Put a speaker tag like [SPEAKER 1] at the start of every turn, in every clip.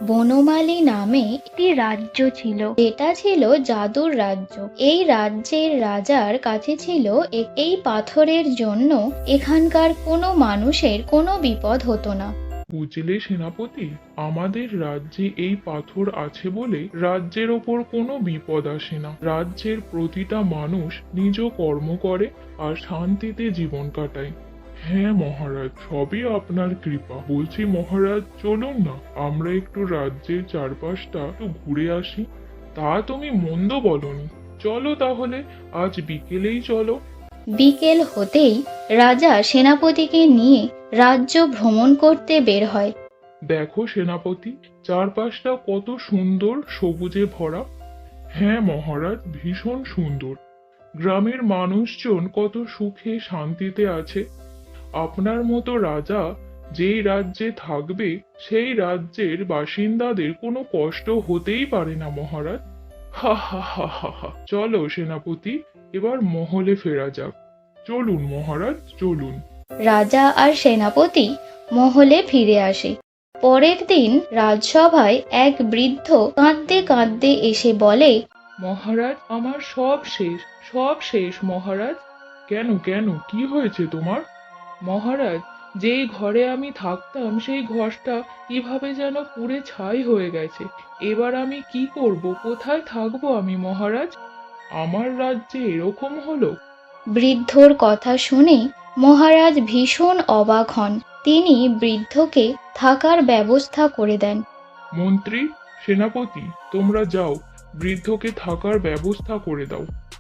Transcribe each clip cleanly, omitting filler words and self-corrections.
[SPEAKER 1] বনমালী নামে একটি রাজ্য ছিল, যেটা ছিল জাদুর রাজ্য। এই রাজ্যের রাজার কাছে ছিল এই পাথরের জন্য এখানকার কোনো মানুষের কোনো বিপদ হতো না।
[SPEAKER 2] বুঝলে সেনাপতি, আমাদের রাজ্যে এই পাথর আছে বলে রাজ্যের ওপর কোনো বিপদ আসে না। রাজ্যের প্রতিটা মানুষ নিজ কর্ম করে আর শান্তিতে জীবন কাটায়। হ্যাঁ মহারাজ, সবই আপনার কৃপা। বলছি মহারাজ, চলুন না আমরা একটু রাজ্যের চারপাশটা একটু ঘুরে আসি। তা তুমি মন্দ বলনি। চলো তাহলে, আজ বিকেলেই চলো।
[SPEAKER 1] বিকেল হতেই রাজা সেনাপতিকে নিয়ে রাজ্য ভ্রমণ করতে বের হয়।
[SPEAKER 2] দেখো সেনাপতি, চারপাশটা কত সুন্দর সবুজে ভরা। হ্যাঁ মহারাজ, ভীষণ সুন্দর। গ্রামের মানুষজন কত সুখে শান্তিতে আছে। আপনার মতো রাজা যেই রাজ্যে থাকবে সেই রাজ্যের বাসিন্দাদের কোনো কষ্ট হতেই পারে না মহারাজ। হা হা হা হা হা। চলো সেনাপতি, এবার মহলে ফেরা যাক। চলুন মহারাজ, চলুন।
[SPEAKER 1] রাজা আর সেনাপতি মহলে ফিরে আসে। পরের দিন রাজসভায় এক বৃদ্ধ কাঁদতে কাঁদতে এসে বলে,
[SPEAKER 2] মহারাজ, আমার সব শেষ, সব শেষ মহারাজ। কেন কেন, কি হয়েছে তোমার? মহারাজ, যেই ঘরে আমি থাকতাম সেই ঘরটা কিভাবে যেন পুড়ে ছাই হয়ে গেছে। এবার আমি কি করব, কোথায় থাকবো আমি মহারাজ? আমার রাজ্যে এরকম হলো?
[SPEAKER 1] বৃদ্ধর কথা শুনে মহারাজ ভীষণ অবাক হন। তিনি বৃদ্ধকে থাকার ব্যবস্থা করে দেন।
[SPEAKER 2] মন্ত্রী, সেনাপতি, তোমরা যাও, বৃদ্ধকে থাকার ব্যবস্থা করে দাও।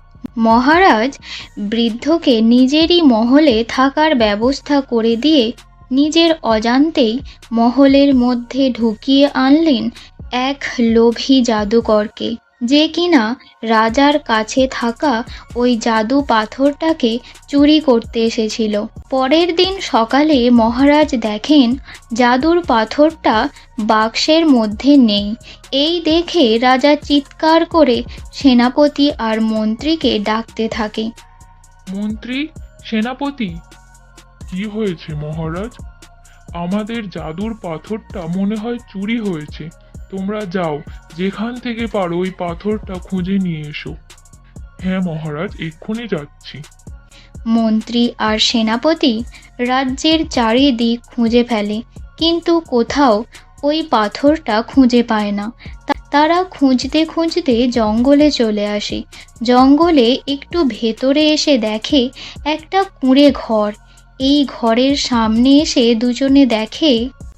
[SPEAKER 1] মহারাজ বৃদ্ধকে নিজেরই মহলে থাকার ব্যবস্থা করে দিয়ে নিজের অজান্তেই মহলের মধ্যে ঢুকিয়ে আনলেন এক লোভী জাদুকরকে, যে কিনা রাজার কাছে থাকা ওই জাদু পাথরটাকে চুরি করতে এসেছিল। পরের দিন সকালে মহারাজ দেখেন জাদুর পাথরটা বাক্সের মধ্যে নেই। এই দেখে রাজা চিৎকার করে সেনাপতি আর মন্ত্রীকে ডাকতে থাকে।
[SPEAKER 2] মন্ত্রী, সেনাপতি, কি হয়েছে মহারাজ? আমাদের জাদুর পাথরটা মনে হয় চুরি হয়েছে। তোমরা যাও, যেখান থেকে পারো ওই পাথরটা খুঁজে নিয়ে এসো। হ্যাঁ মহারাজ, এক্ষুনি যাচ্ছি।
[SPEAKER 1] মন্ত্রী আর সেনাপতি রাজ্যের চারিদিক খুঁজে ফেলে, কিন্তু কোথাও ওই পাথরটা খুঁজে পায় না। তারা খুঁজতে খুঁজতে জঙ্গলে চলে আসে। জঙ্গলে একটু ভেতরে এসে দেখে একটা কুঁড়ে ঘর। এই ঘরের সামনে এসে দুজনে দেখে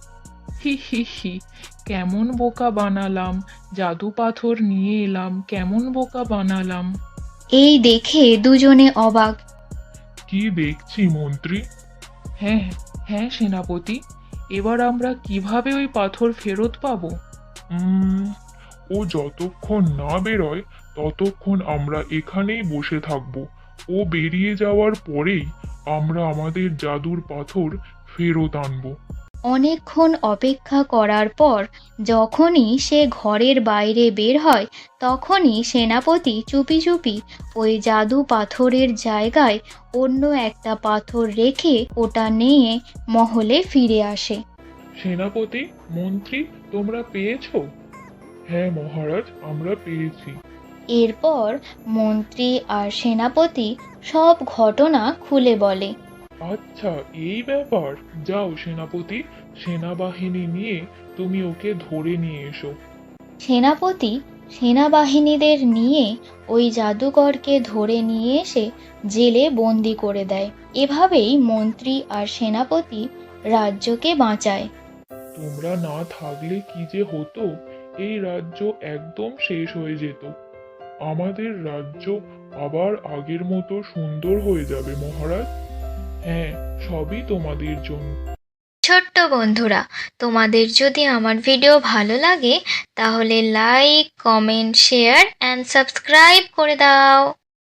[SPEAKER 3] হি হি হি, কেমন বোকা বানালাম! জাদু পাথর নিয়ে এলাম, কেমন বোকা বানালাম!
[SPEAKER 1] এই দেখে দুজনে অবাক।
[SPEAKER 2] কি দেখছি মন্ত্রী?
[SPEAKER 3] হ্যাঁ হ্যাঁ সেনাপতি, এবার আমরা কিভাবে ওই পাথর ফেরত পাবো?
[SPEAKER 2] উম, ও যতক্ষণ না বেরোয় ততক্ষণ আমরা এখানেই বসে থাকবো। ও বেরিয়ে যাওয়ার পরেই আমরা আমাদের জাদুর পাথর ফেরত আনবো।
[SPEAKER 1] অনেকক্ষণ অপেক্ষা করার পর যখনই সে ঘরের বাইরে বের হয়, তখনই সেনাপতি চুপি চুপি ওই জাদু পাথরের জায়গায় অন্য একটা পাথর রেখে ওটা নিয়ে মহলে ফিরে আসে।
[SPEAKER 2] সেনাপতি, মন্ত্রী, তোমরা পেয়েছো? হ্যাঁ মহারাজ, আমরা পেয়েছি।
[SPEAKER 1] এরপর মন্ত্রী আর সেনাপতি সব ঘটনা খুলে বলে।
[SPEAKER 2] আচ্ছা, এই ব্যাপার। যাও সেনাপতি, সেনাবাহিনী নিয়ে তুমি ওকে ধরে নিয়ে এসো।
[SPEAKER 1] সেনাপতি সেনাবাহিনীদের নিয়ে ওই জাদুকরকে ধরে নিয়ে এসে জেলে বন্দি করে দেয়। এভাবেই মন্ত্রী আর সেনাপতি রাজ্যকে বাঁচায়।
[SPEAKER 2] তোমরা না থাকলে কি যে হতো! এই রাজ্য একদম শেষ হয়ে যেত। আমাদের রাজ্য আবার আগের মতো সুন্দর হয়ে যাবে মহারাজ। হ্যাঁ, সবই তোমাদের জন্য।
[SPEAKER 1] ছোট্ট বন্ধুরা, তোমাদের যদি আমার ভিডিও ভালো লাগে তাহলে like, comment, share and subscribe করে দাও।